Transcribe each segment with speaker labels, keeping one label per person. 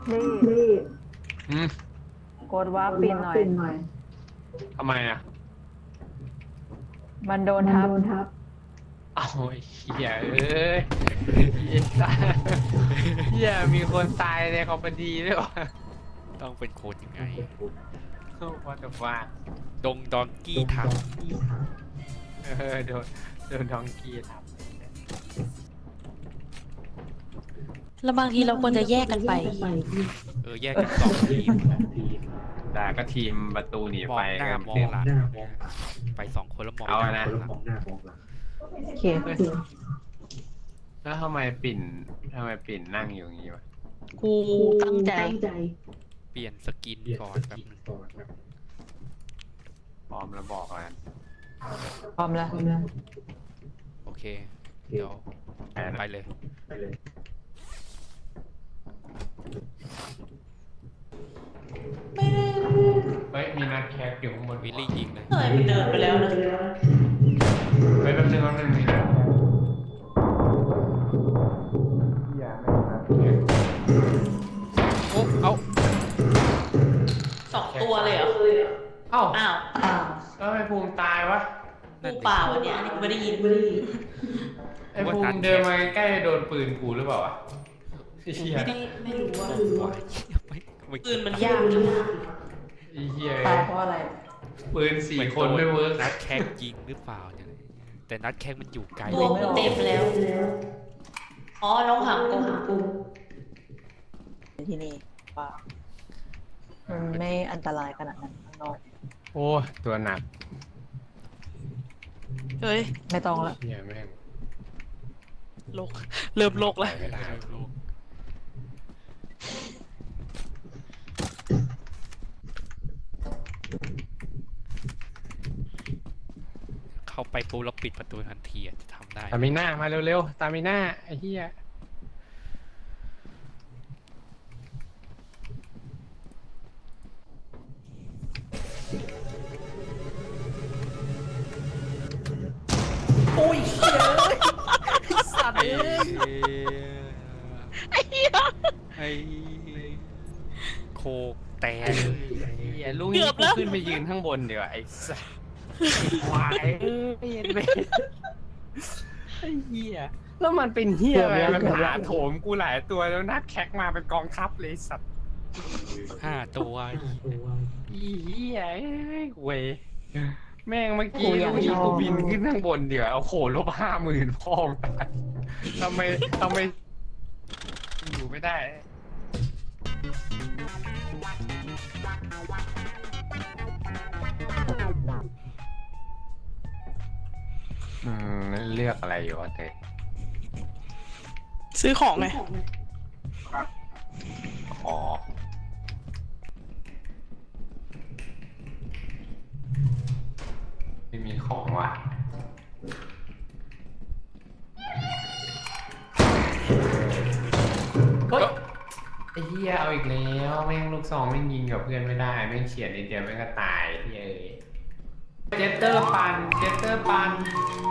Speaker 1: รีบ
Speaker 2: อืม
Speaker 3: กดว่าปินหน่อย
Speaker 2: ทำไมอ่ะ
Speaker 3: มันโดนทับ
Speaker 2: เอาไอ้เหี้ยเอ้ยเหี้ยมีคนตายในคอมพานีด้วยวะ
Speaker 4: ต้องเป็นคนยังไง
Speaker 2: ว่าแต่ว่า
Speaker 4: ดงดองกี้ทับ
Speaker 2: โดนท้องกี้ทับ
Speaker 5: แล้วบางทีเราควรจะแยกกันไป
Speaker 4: แยกกันสองทีม
Speaker 2: แต่ก็ทีมประตูหนี
Speaker 4: มอ
Speaker 2: ไฟ
Speaker 4: งหน้า
Speaker 2: กัน
Speaker 4: มองหลังไปสองคนแล้วมอง
Speaker 2: เอา
Speaker 4: ห
Speaker 2: นะ
Speaker 4: น้ามองหลัง
Speaker 3: โอเค
Speaker 2: แล้วทำไมปิ่นนั่งอยู่อย่างงี้วะ
Speaker 5: กูตั้งใจ
Speaker 4: เปลี่ยนสกินก่อนแบบนึง
Speaker 2: พร้อมแล้วบอกกัน
Speaker 3: พร้อมแล้ว
Speaker 4: โอเค เดี๋ยวไปเลย
Speaker 2: เฮ้ยมีนัดแคสอยู่ข้างบน
Speaker 4: วิลลี่ยิงเลย
Speaker 5: เฮ้ยมันเดินไปแล้วนะ
Speaker 2: เฮ้ยแป๊บนึงมีนัดแคสอย่าไม่นัดแคส
Speaker 4: โอ้เอา
Speaker 5: 2 ตัวเลยเหรอ
Speaker 2: เอ้า
Speaker 5: อ้าว
Speaker 2: แล้วทำไมภูมิตายวะ
Speaker 5: กูเปล่าอันเนี้ยอันนี้กูไม่ได้ยิน
Speaker 2: ไอ้ภูมิเดินมาใกล้ๆโดนปืนกูหรือเปล่าวะไอ้เหี้ย
Speaker 5: ไม่รู้ว่า
Speaker 4: ไม่
Speaker 5: ปืนมันยากนะ
Speaker 2: ไอ้เหี้ย
Speaker 3: ตายเพราะอะไร
Speaker 2: ปืน4 คนไม่เวิร์ก
Speaker 4: นัดแข่งยิงหรือเปล่าเนี่ยแต่นัดแข่งมันอยู่ไกล
Speaker 5: ตัวกูเต็มแล้ว อ๋อ น้องหางกู
Speaker 3: ที่นี่ว่ามันไม่อันตรายขนาดนั้นข้างนอก
Speaker 2: โอ้ยตัวหนัก
Speaker 5: เฮ้ย
Speaker 3: ไม่ต้องละ
Speaker 2: เหี้ยแม่ง
Speaker 5: โลก เริ่มโลกแล้ว
Speaker 2: ไม่ได้
Speaker 4: เข้าไปปุ๊บแล้วปิดประตูทันทีอะจะทำได้
Speaker 2: ตามิน่ามาเร็วๆตามิน่าไอ้เหี้ย
Speaker 4: สัตว์ไอ้โคกแตก
Speaker 2: ไอ้เหี้ยลุงนี่กูขึ้นไปยืนข้างบนเดี๋ยวาไอ้สัสควายไม่เห็นไหมไอ้เหี้ยแล้วมันเป็นเหี้ยอะไรมันหาโถมกูหลายตัวแล้วนัดแคกมาเป็นกองทัพเลยสัตว์
Speaker 4: 5 ตัว
Speaker 2: อีเหี้ยเอ้ยเว้ยแม่งเมื่อกี้ลุงนี่กูบินขึ้นข้างบนเดี๋ยวโอ้โห-50,000พ่อมงทำไมอยู่ไม่ได้เลือกอะไรอยู่วะเต้
Speaker 5: ซื้อของไง
Speaker 2: อ๋อไม่มีของว่ะเฮ้ยไอ้เหี้ยเอาอีกแล้วแม่งลูกซองแม่งยิงกับเพื่อนไม่ได้แม่งเฉียดนิดเดียวแม่งก็ตายเฮ้ยเจสเตอร์ปันเจสเตอร์ปัน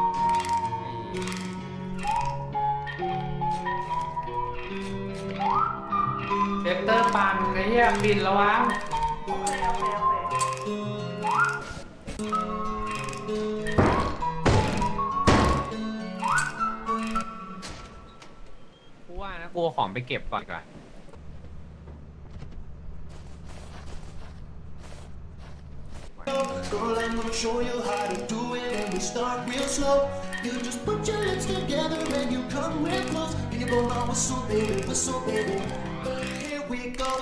Speaker 2: ไอ้เหี้ยบินระวังกูว่านะกูเอาของไปเก็บก่อนดีกว่า
Speaker 6: Girl, I'm gonna show you how to do it, and we start real slow. You just put your lips together and you come real close. And you go, now whistle, baby. Here we go.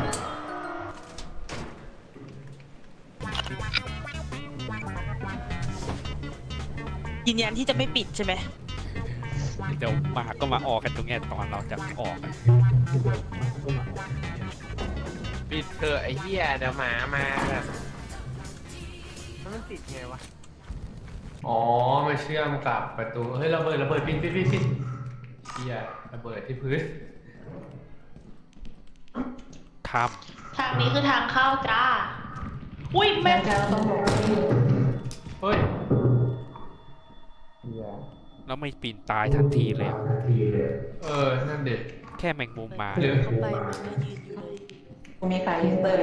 Speaker 5: ยืนยันที่จะไม่ปิดใช่ไหม
Speaker 4: เดี๋ยวมาก็มาออกกันตรงเนี้ยตอนเราจะออกอะ
Speaker 2: ปิดเถอะไอ้เหี้ยเดี๋ยวหมามาแบบมันติดไงวะ อ๋อมาเชื่อมกับประตู เฮ้ยระเบิดปิดเหี้ยระเบิดที่พื้น
Speaker 4: ข้าม
Speaker 5: ทางนี้คือทางเข้าจ้า อุ้ยแม่
Speaker 2: เฮ้ย
Speaker 4: แล้วไม่ปีนตายทันทีเลยอะ
Speaker 2: นั่นเด็ด
Speaker 4: แค่แมงมุมมา
Speaker 2: หรือ
Speaker 5: เข้าไปมันก็ยืนอยู่เลย
Speaker 3: มีขายอีสเตอร์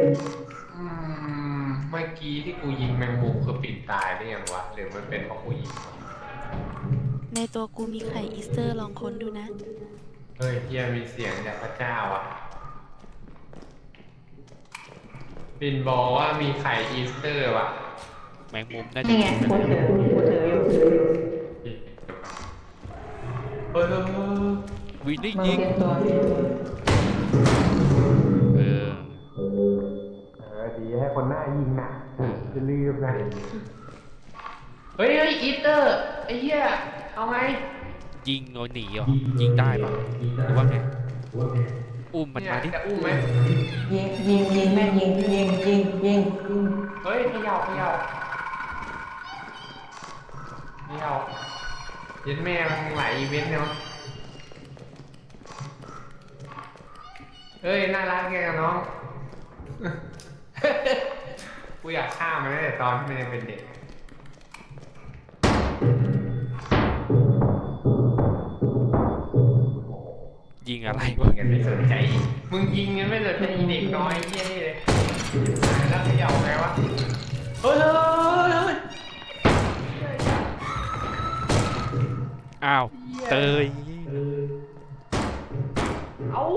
Speaker 2: เมื่อกี้ที่กูยิงแมงมุมคือปิดตายได้ยังวะหรือมันเป็นเพราะกูยิงวะ
Speaker 1: ในตัวกูมีไข่อีสเตอร์ลองค้นดูนะ
Speaker 2: เฮ้ยเฮียมีเสียงจากพระเจ้าอ่ะปินบอกว่ามีไข่อีสเตอร์ว่ะ
Speaker 4: แมงมุมน่าจะ
Speaker 3: นี่ไงกูถืออยู่
Speaker 2: เฮ้ย
Speaker 4: วินได้
Speaker 3: มึง
Speaker 4: ยิง
Speaker 3: เตรียมตัว
Speaker 4: เออ
Speaker 2: ดีให้คนหน้ายิงน่ะจะลืมนะเฮ้ยอีสเตอร์ไอ้เหี้ยเอาไง
Speaker 4: ยิงเอาหนีเหรอยิงได้ปะหรือว่าไงอุ้มมันมาดิ
Speaker 2: จะอุ้มไหม
Speaker 3: ยิงแม่งยิง
Speaker 2: เฮ้ยเขย่าเย็นแม่มึงหลายอีเวนต์เนาะเฮ้ยน่ารักแกกับน้อง กูอยากฆ่ามันตั้งแต่ตอนที่มันยังเป็นเด็ก
Speaker 4: ยิงอะไร
Speaker 2: มึ
Speaker 4: วะ
Speaker 2: งกันไม่สนใจมึงยิงกันไม่สนใจอีเด็กน้อยเหี้ยนี่เลยแล้วเขย่าไงวะเฮ้ย
Speaker 4: อ้าวเตย
Speaker 2: เอ้า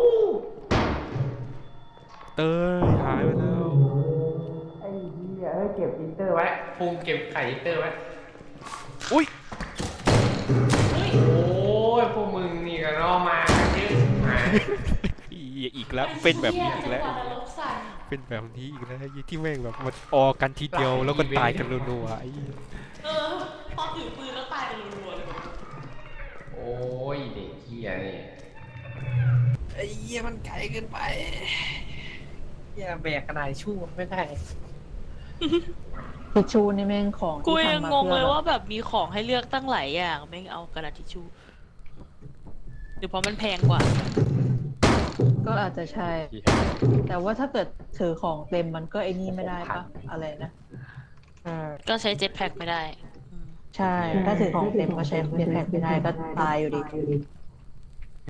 Speaker 4: เตยหายไปแล้ว
Speaker 2: ไอ้เหี้ยเฮ้ยเก็บอินเตอร์ไว้ภูมิเก็บไข่อินเตอร์ไว้
Speaker 4: อุ้ย
Speaker 2: โอ้ยพวกมึงนี่ก็รอมาเยอะมา
Speaker 4: อีกแล้วเป็นแบบนี้อีกแล้ว เป็นแบบนี้อีกแล้วที่แม่งแบบมันออกันทีเดียวแล้วก็ตายกันรัวๆไอ้
Speaker 5: พอถือปืนแล้วตายกันรัวๆเลย
Speaker 2: โอ้ยเด็กเหี้ยนี่
Speaker 7: ไอ้เหี้ยมันไกลเกินไปเหี้ยแบกกระดาษชู่ไม่ได้
Speaker 3: ทิชชู่นี่แม่งของ
Speaker 5: กู
Speaker 3: ที่
Speaker 5: ยัง
Speaker 3: ทำมาง
Speaker 5: งเลยว่าแบบมีของให้เลือกตั้งหลายอย่างแม่งเอากระดาษทิชชู่หรือเพราะมันแพงกว่า
Speaker 3: ก็อาจจะใช่ แต่ว่าถ้าเกิดถือของเต็มมันก็ไอ้นี่ไม่ได้ปะอะไรนะ
Speaker 5: ก็ใช้เจ็ตแพ็คไม่ได้
Speaker 3: ใช่ ถ้าถือของเต็มก็ใช้เจ็ตแพ็คไม่ได้ก็ตายอยู่ดี